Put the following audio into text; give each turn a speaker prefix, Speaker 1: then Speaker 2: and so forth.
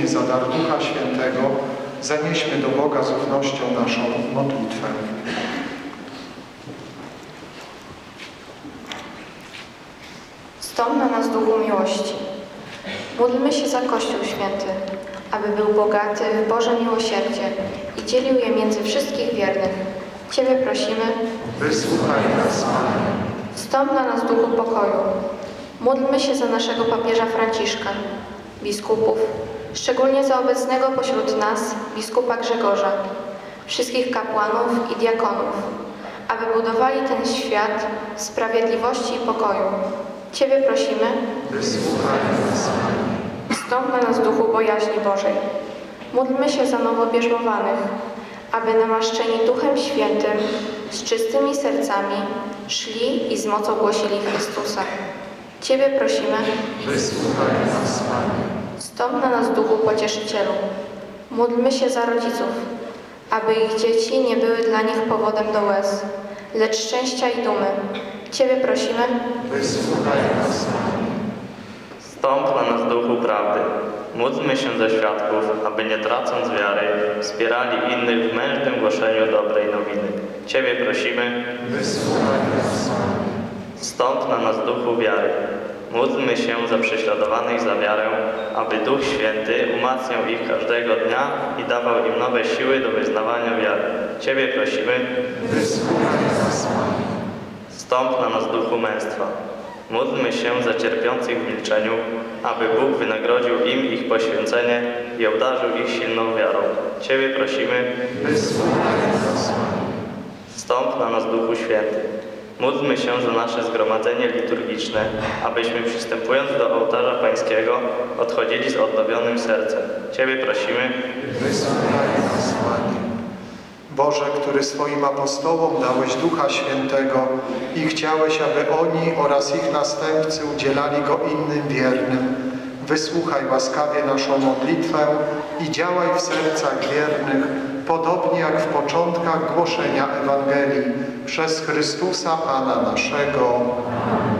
Speaker 1: Ci za dar Ducha Świętego, zanieśmy do Boga z ufnością naszą modlitwę.
Speaker 2: Stąd na nas Duchu miłości. Módlmy się za Kościół Święty, aby był bogaty w Boże miłosierdzie i dzielił je między wszystkich wiernych. Ciebie prosimy.
Speaker 1: Wysłuchaj nas, Panie.
Speaker 2: Wstąp na nas Duchu pokoju. Módlmy się za naszego papieża Franciszka, biskupów, szczególnie za obecnego pośród nas biskupa Grzegorza, wszystkich kapłanów i diakonów, aby budowali ten świat sprawiedliwości i pokoju. Ciebie prosimy.
Speaker 1: Wysłuchaj nas, Panie.
Speaker 2: Wstąp na nas Duchu bojaźni Bożej. Módlmy się za nowobierzmowanych, aby namaszczeni Duchem Świętym, z czystymi sercami, szli i z mocą głosili Chrystusa. Ciebie prosimy.
Speaker 1: Wysłuchaj nas, Panie.
Speaker 2: Wstąp na nas Duchu Pocieszycielu. Módlmy się za rodziców, aby ich dzieci nie były dla nich powodem do łez, lecz szczęścia i dumy. Ciebie prosimy.
Speaker 1: Wysłuchaj nas, Panie.
Speaker 3: Wstąp na nas Duchu Prawdy. Módlmy się za świadków, aby nie tracąc wiary, wspierali innych w mężnym głoszeniu dobrej nowiny. Ciebie prosimy.
Speaker 1: Wysłuchaj nas, Panie.
Speaker 3: Wstąp na nas Duchu Wiary. Módlmy się za prześladowanych za wiarę, aby Duch Święty umacniał ich każdego dnia i dawał im nowe siły do wyznawania wiary. Ciebie prosimy.
Speaker 1: Wysłuchaj nas, Panie.
Speaker 3: Wstąp na nas Duchu Męstwa. Módlmy się za cierpiących w milczeniu, aby Bóg wynagrodził im ich poświęcenie i obdarzył ich silną wiarą. Ciebie prosimy.
Speaker 1: Wysłuchaj nas, Panie.
Speaker 3: Wstąp na nas Duchu Święty. Módlmy się za nasze zgromadzenie liturgiczne, abyśmy przystępując do ołtarza Pańskiego odchodzili z odnowionym sercem. Ciebie prosimy.
Speaker 1: Wysłuchaj nas, Panie. Boże, który swoim apostołom dałeś Ducha Świętego i chciałeś, aby oni oraz ich następcy udzielali Go innym wiernym, wysłuchaj łaskawie naszą modlitwę i działaj w sercach wiernych, podobnie jak w początkach głoszenia Ewangelii, przez Chrystusa Pana naszego.